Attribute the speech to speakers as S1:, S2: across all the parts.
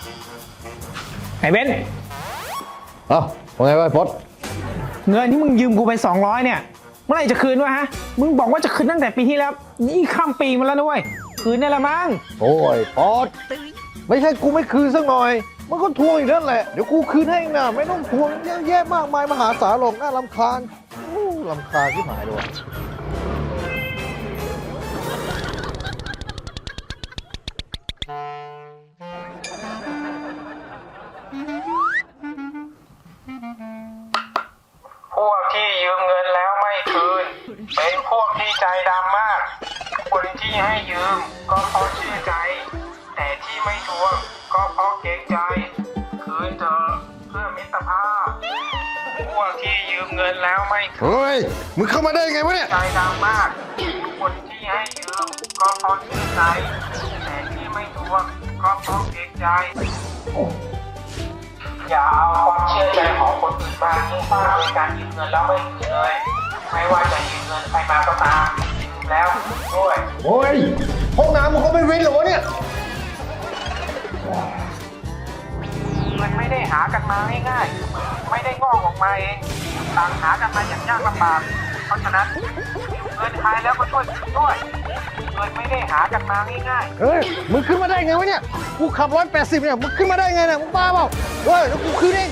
S1: ไอ้เบน
S2: เอ้าว่าไงวะพด
S1: เงินที่มึงยืมกูไป200เนี่ยเมื่อไหร่จะคืนวะฮะมึงบอกว่าจะคืนตั้งแต่ปีที่แล้วนี่ข้ามปีมาแล้วนะเว้ยคืนได้ละมั้ง
S2: โอ้ยพดไม่ใช่กูไม่คืนสักหน่อยมันก็ทวงอีกนั่นแหละเดี๋ยวกูคืนให้นะไม่ต้องทวงเยอะแยะมากมายมหาศาลหรอกน่ารำคาญรำคาญที่หายเลย
S3: พวกที่ยืมเงินแล้วไม่คืน เป็นพวกที่ใจดำมาก คนที่ให้ยืมก็เพราะเชื่อใจ แต่ที่ไม่ทวงก็เพราะเกรงใจ คืนเถอะเพื่อมิตรภาพ พวกที่ยืมเงินแล้วไม่คืน
S2: เฮ้ยมึงเข้ามาได้ไงวะเนี่ย
S3: ใจดำมาก คนที่ให้ยืมก็เพราะเชื่อใจ แต่ที่ไม่ทวงก็เพราะเกรงใจ อย่าเอาความเชื่อใจของคนอื่นมามุ่งเป้าในการยืมเงินแล้วไม่คืนเลย ไม่ว่าจะยืมเงินใครมาก็ตามยืมแล้วคืนด้วย
S2: โอ้ยห้องน้ำมึงเขาไม่เว้นเหรอวะเนี่ย
S3: เงินไม่ได้หากันมาง่ายๆไม่ได้งอกออกมาเองต่างหากันมาอย่างยากลำบาก เพราะฉะนั้นยืมเงินใครแล้วก็ช่วยคืนด้วย เงินไม่ได้หากันมาง่ายๆ
S2: เฮ้ยมึงขึ้นมาได้ไงวะเนี่ยกูขับ180เนี่ยมึงขึ้นมาได้ไงเนี่ยมึงบ้าเปล่าเฮ้ยแล้วกูคืนเอง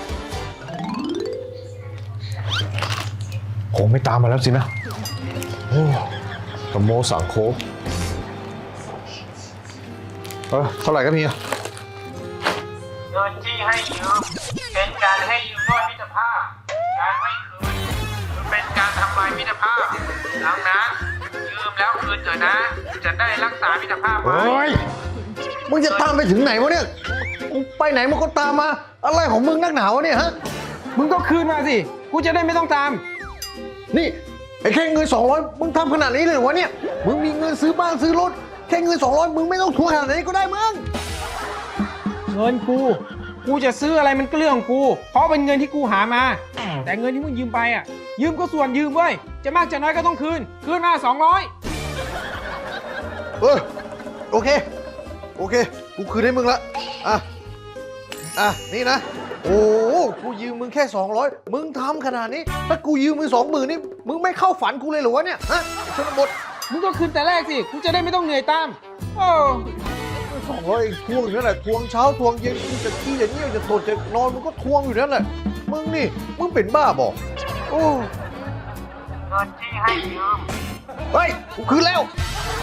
S2: คงไม่ตามมาแล้วสินะโอ้ธโมสังโฆเท่าไหร่ก็มีอ่ะ
S3: เงินที่ให้ยืมเป็นการให้ยืมด้วยมิตรภาพ การไม่คืนเป็นการทำลายมิตรภาพ ดังนั้นยืมแล้วคืนเถอะนะ จะได้รักษามิตรภาพไว้
S2: เฮ้ยมึงจะตามไปถึงไหนวะเนี่ยมึงไปไหนมึงก็ตามมาอะไรของมึงนักหนาวะเนี่ยฮะ
S1: มึงก็คืนมาสิกูจะได้ไม่ต้องตาม
S2: นี่ไอ้แค่เงิน200มึงทำขนาดนี้เลยเหรอวะเนี่ยมึงมีเงินซื้อบ้านซื้อรถแค่เงิน200มึงไม่ต้องทวงขนาดนี้ก็ได้มึง
S1: เงินกูจะซื้ออะไรมันก็เรื่องของกู เพราะเป็นเงินที่กูหามา แต่เงินที่มึงยืมไปอ่ะ ยืมก็ส่วนยืมเว้ย จะมากจะน้อยก็ต้องคืน คืนมา200
S2: โอเคกูคืนให้มึงละนี่นะโอ้กูยืมมึงแค่200มึงทำขนาดนี้ถ้ากูยืมมึง20,000นี่มึงไม่เข้าฝันกูเลยเหรอวะเนี่ยฮะชนบท
S1: มึงก็คืนแต่แรกสิ กูจะได้ไม่ต้องเหนื่อยตาม โอ้
S2: 200ทวงอยู่นั่นแหละทวงเช้าทวงเย็นกูจะขี้จะเยี่ยวจะตดจะนอนมึงก็ทวงอยู่นั่นแหละมึงนี่มึงเป็นบ้าบอกโอ้
S3: เงินที่ให้ยืม
S2: เฮ้ยกูคืนแล้ว